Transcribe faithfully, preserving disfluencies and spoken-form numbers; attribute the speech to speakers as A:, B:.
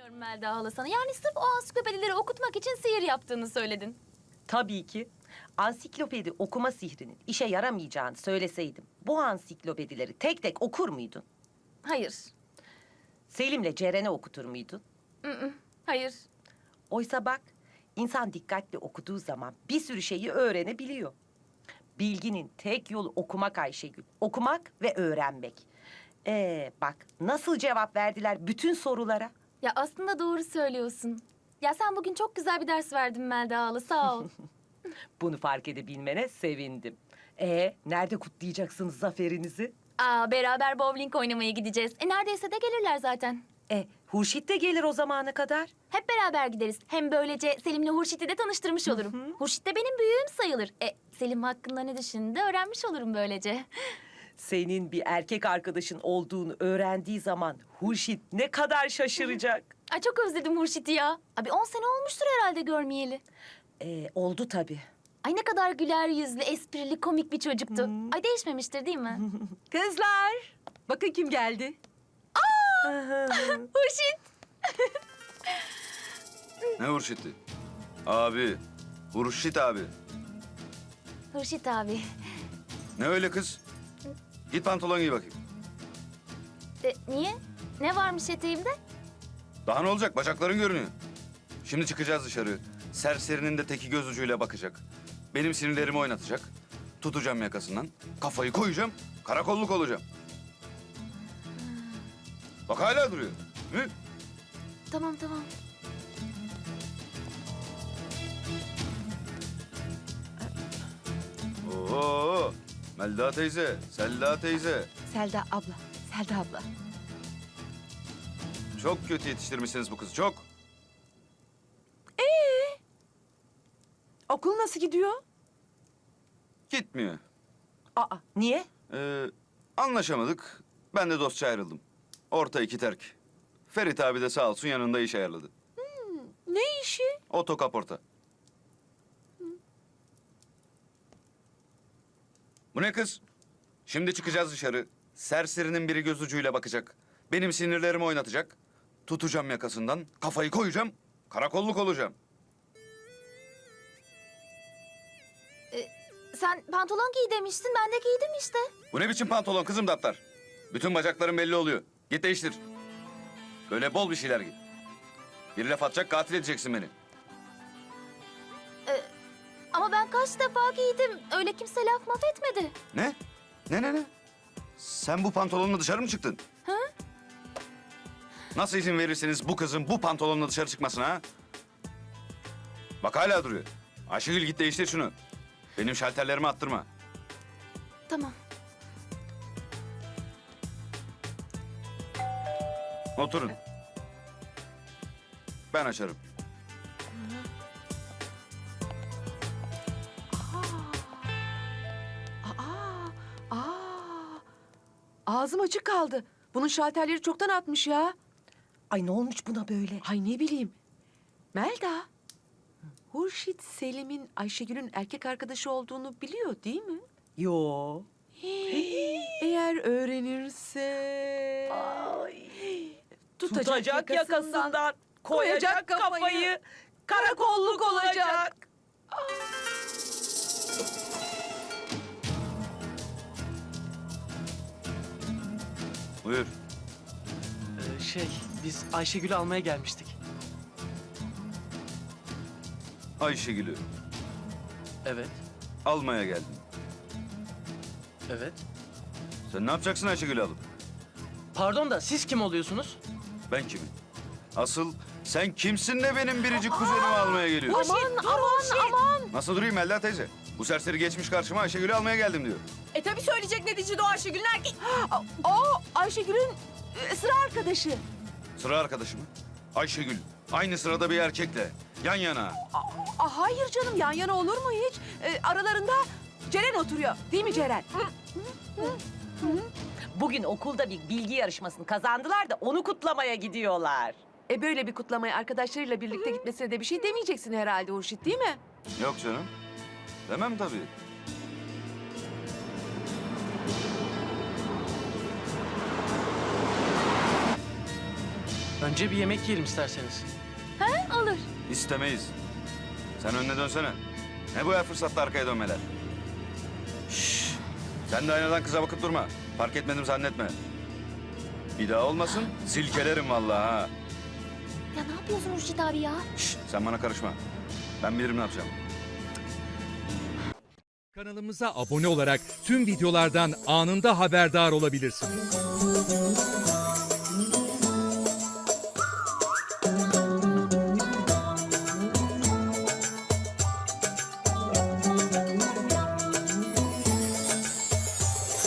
A: Melda hala sana. Yani sırf o ansiklopedileri okutmak için sihir yaptığını söyledin.
B: Tabii ki. Ansiklopedi okuma sihrinin işe yaramayacağını söyleseydim, bu ansiklopedileri tek tek okur muydun?
A: Hayır.
B: Selim'le Ceren'e okutur muydun?
A: Mm-mm. Hayır.
B: Oysa bak, insan dikkatli okuduğu zaman bir sürü şeyi öğrenebiliyor. Bilginin tek yolu okumak Ayşegül. Okumak ve öğrenmek. Ee, bak nasıl cevap verdiler bütün sorulara.
A: Ya aslında doğru söylüyorsun. Ya sen bugün çok güzel bir ders verdin Melda hala. Sağ ol.
B: Bunu fark edebilmene sevindim. Ee, nerede kutlayacaksınız zaferinizi?
A: Aa, beraber bowling oynamaya gideceğiz. E neredeyse de gelirler zaten.
B: E, Hurşit de gelir o zamana kadar.
A: Hep beraber gideriz. Hem böylece Selim'le Hurşit'i de tanıştırmış olurum. Hurşit de benim büyüğüm sayılır. E Selim hakkında ne düşündüğünü öğrenmiş olurum böylece.
B: Senin bir erkek arkadaşın olduğunu öğrendiği zaman Hurşit ne kadar şaşıracak.
A: Ay çok özledim Hurşit'i ya. Abi on sene olmuştur herhalde görmeyeli.
B: Ee, oldu tabii.
A: Ay ne kadar güler yüzlü, esprili, komik bir çocuktu. Ay değişmemiştir değil mi?
C: Kızlar, bakın kim geldi.
A: Hurşit!
D: Ne Hurşit'i? Abi. Hurşit abi.
A: Hurşit abi.
D: Ne öyle kız? Git pantolon giy bakayım.
A: E, niye? Ne varmış eteğimde?
D: Daha ne olacak? Bacakların görünüyor. Şimdi çıkacağız dışarı. Serserinin de teki göz ucuyla bakacak. Benim sinirlerimi oynatacak. Tutacağım yakasından. Kafayı koyacağım. Karakolluk olacağım. Bak hala duruyor. Hı?
A: Tamam tamam.
D: Oo, Melda teyze, Selda teyze.
C: Selda abla, Selda abla.
D: Çok kötü yetiştirmişsiniz bu kızı, çok.
C: Okul nasıl gidiyor?
D: Gitmiyor.
B: Aa, niye?
D: Ee, anlaşamadık. Ben de dostça ayrıldım. Orta iki terk. Ferit abi de sağ olsun yanında iş ayarladı.
C: Ne işi?
D: Otokaporta. Bu ne kız? Şimdi çıkacağız dışarı. Serserinin biri göz ucuyla bakacak. Benim sinirlerimi oynatacak. Tutacağım yakasından, kafayı koyacağım. Karakolluk olacağım.
A: Sen pantolon giy demiştin, ben de giydim işte.
D: Bu ne biçim pantolon kızım daptar? Bütün bacakların belli oluyor. Git değiştir. Böyle bol bir şeyler giy. Bir laf atacak, katil edeceksin beni.
A: Ama ben kaç defa giydim. Öyle kimse laf maf etmedi.
D: Ne? Ne ne ne? Sen bu pantolonla dışarı mı çıktın?
A: Hı?
D: Nasıl izin verirsiniz bu kızın bu pantolonla dışarı çıkmasına ha? Bak hala duruyor. Ayşegül git değiştir şunu. Benim şalterlerimi attırma.
A: Tamam.
D: Oturun. Ben açarım.
C: Aa, aa. Ağzım açık kaldı. Bunun şalterleri çoktan atmış ya.
B: Ay ne olmuş buna böyle?
C: Ay ne bileyim. Melda, Hurşit Selim'in Ayşegül'ün erkek arkadaşı olduğunu biliyor değil mi?
B: Yo.
C: Eğer öğrenirse... Tutacak,
B: Tutacak yakasından, koyacak
C: koyacak
B: kafayı,
C: kafayı,
B: karakolluk olacak.
D: Buyur.
E: Ee, şey, biz Ayşegül'ü almaya gelmiştik.
D: Ayşegül'ü
E: Evet,
D: almaya geldim.
E: evet.
D: Sen ne yapacaksın Ayşegül'ü alıp?
E: Pardon da siz kim oluyorsunuz?
D: Ben kimim? Asıl sen kimsin de benim biricik kuzenimi almaya geliyorsun?
C: Aman, aman, aman.
D: Nasıl durayım Melda teyze? Bu serseri geçmiş karşıma Ayşegül'ü almaya geldim diyor.
C: E tabii söyleyecek neticede o Ayşegül'ün erkek... O Ayşegül'ün e, sıra arkadaşı.
D: Sıra arkadaşı mı? Ayşegül. Aynı sırada bir erkekle. Yan yana.
C: Aa, hayır canım, yan yana olur mu hiç? E, aralarında Ceren oturuyor. Değil mi Ceren?
B: Bugün okulda bir bilgi yarışmasını kazandılar da onu kutlamaya gidiyorlar.
C: E böyle bir kutlamaya arkadaşlarıyla birlikte gitmesine de bir şey demeyeceksin herhalde Hurşit, değil mi?
D: Yok canım. Demem tabii.
E: Önce bir yemek yiyelim isterseniz.
A: Olur.
D: İstemeyiz. Sen önüne dönsene. Ne bu her fırsatta arkaya dönmeler? Şşş. Sen de aynadan kıza bakıp durma. Fark etmedim zannetme. Bir daha olmasın silkelerim vallahi ha.
A: Ya ne yapıyorsun Hurşit abi ya?
D: Şşş, sen bana karışma. Ben bilirim ne yapacağım.
F: Kanalımıza abone olarak tüm videolardan anında haberdar olabilirsiniz.